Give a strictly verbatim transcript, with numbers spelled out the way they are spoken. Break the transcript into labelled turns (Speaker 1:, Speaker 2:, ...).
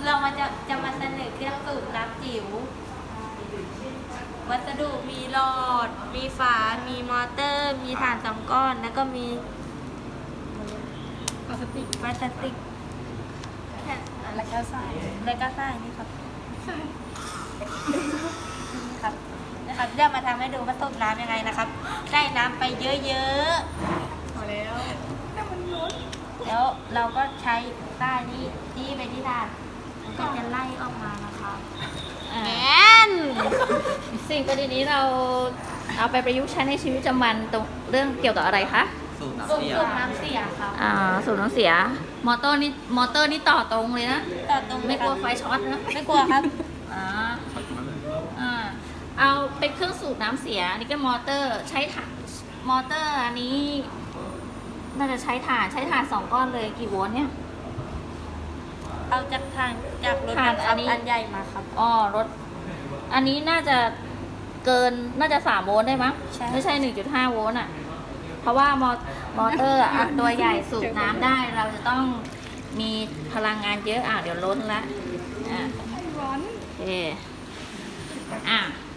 Speaker 1: เรามาจะจะมาเสนอเครื่องสูบน้ำจิ๋ววัสดุมีหลอด มีฝา มีมอเตอร์ มีถ่านสองก้อน แล้วก็มีพลาสติกพลาสติกแค่แล้วก็ใส่แล้วก็ใส่นี่ครับใส่ครับนะครับเดี๋ยวมาทำให้ดูว่าต้มน้ำยังไงนะครับ ได้น้ำไปเยอะๆพอแล้วน้ำมันล้นแล้วเราก็ใช้ใต้นี้จี้ไปที่ถ่านมันก็จะไล่ออกมานะครับ
Speaker 2: อ่า
Speaker 1: แอน
Speaker 2: สิ่งประดิษฐ์นี้เราเอาไปประยุกต์ใช้ในชีวิตประจำวันตรงเรื่องเกี่ยวกับอะไรคะ
Speaker 3: สูบน้ำ
Speaker 1: สูบ
Speaker 3: เสีย
Speaker 1: สูบน้ำเสียครับ
Speaker 2: อ่าสูบน้ำเสีย มอเตอร์นี่มอเตอร์นี่ต่อตรงเลยนะ
Speaker 1: ต่อตรง
Speaker 2: ไม่กลัวไฟช็อตนะ
Speaker 1: ไม่กลัวครับ
Speaker 2: อ่าอ่าเอาเป็นเครื่องสูบน้ำเสียอันนี่ก็มอเตอร์ใช้ถ่านมอเตอร์อันนี้ น่าจะใช้ถ่านใช้ถ่านสองก้อนเลยกี่โวลต์เนี่ย
Speaker 1: เอาจากทางจากรถ
Speaker 2: ทาง
Speaker 1: บัง
Speaker 2: อั
Speaker 1: คั
Speaker 2: น
Speaker 1: บ
Speaker 2: นี้
Speaker 1: อันใหญ่มาครับ
Speaker 2: อ๋อรถ อันนี้น่าจะเกินน่าจะสามโวลต์ได้มั้ง
Speaker 1: ใช่
Speaker 2: ไม่ใช่หนึ่งจุดห้าโวลต์อ่ะ เพราะว่ามอมอเตอร์อ่ะตัวใหญ่สูบน้ำได้ เราจะต้องมีพลังงานเยอะอ่ะเดี๋ยวล้นละอ่ะ
Speaker 1: ร้อน
Speaker 2: โอเคอ่ะ